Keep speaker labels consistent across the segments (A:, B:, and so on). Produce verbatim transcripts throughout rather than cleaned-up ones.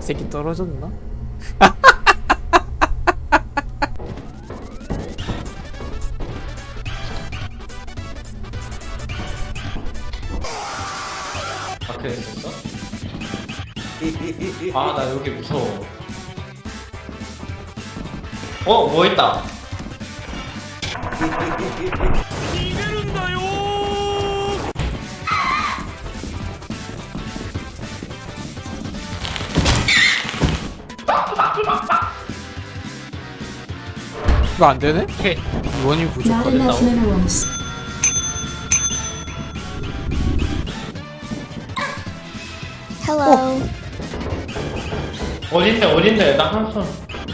A: 새끼 떨어졌나?
B: 밖에 있었어? 아, 나 여기 무서워. 어, 뭐 있다.
A: 이거 안 되네?
B: 오케이.
A: 원이
C: Not
A: 부족하네.
C: enough minerals.
D: Hello.
B: 어딘데, 어딘데? 나 항상.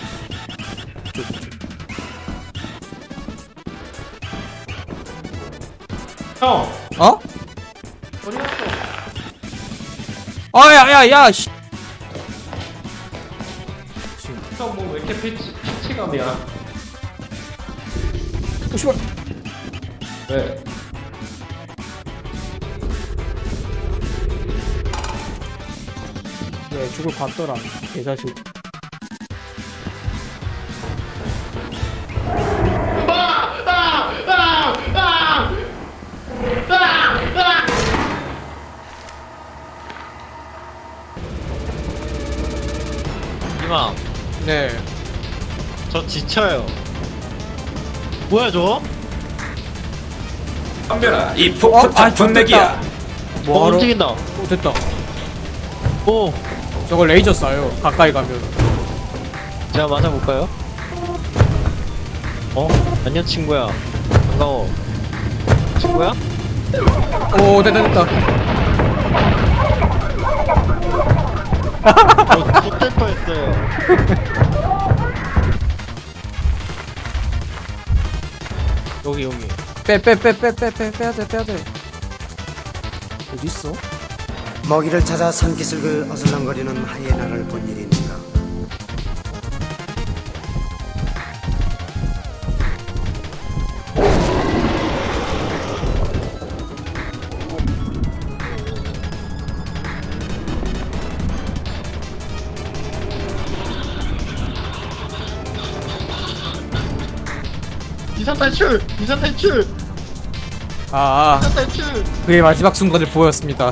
B: 형,
A: 어?
B: 어디 갔어?
A: 아, 야, 야, 야, 씨. 지금,
B: 형, 뭐 왜 이렇게 피치, 피치감이야?
A: 어, 씨발.
B: 왜?
A: 왜 죽을 봤더라. 개자식.
E: 이마,
A: 네.
E: 저 지쳐요. 뭐야 저거?
F: 덤벼라 이
A: 어?
F: 폭포탑
A: 아,
F: 분내기야.
E: 어,
A: 뭐하러?
E: 움직인다.
A: 어, 됐다.
E: 오,
A: 저거 레이저 쏴요. 가까이 가면.
E: 제가 맞아볼까요? 어? 안녕 친구야. 반가워. 친구야?
A: 오, 됐다, 됐다.
E: 저 X될 뻔했어요. 여기 여기.
A: 빼, 빼, 빼, 빼, 빼, 빼, 빼야 돼, 빼야 돼. 어딨어?
G: 먹이를 찾아 산기슭을 어슬렁거리는 하이에나를 본 일인가.
E: 이산 탈출! 이산 탈출!
A: 아, 아,
E: 이산 탈출!
A: 그의 마지막 순간을 보였습니다.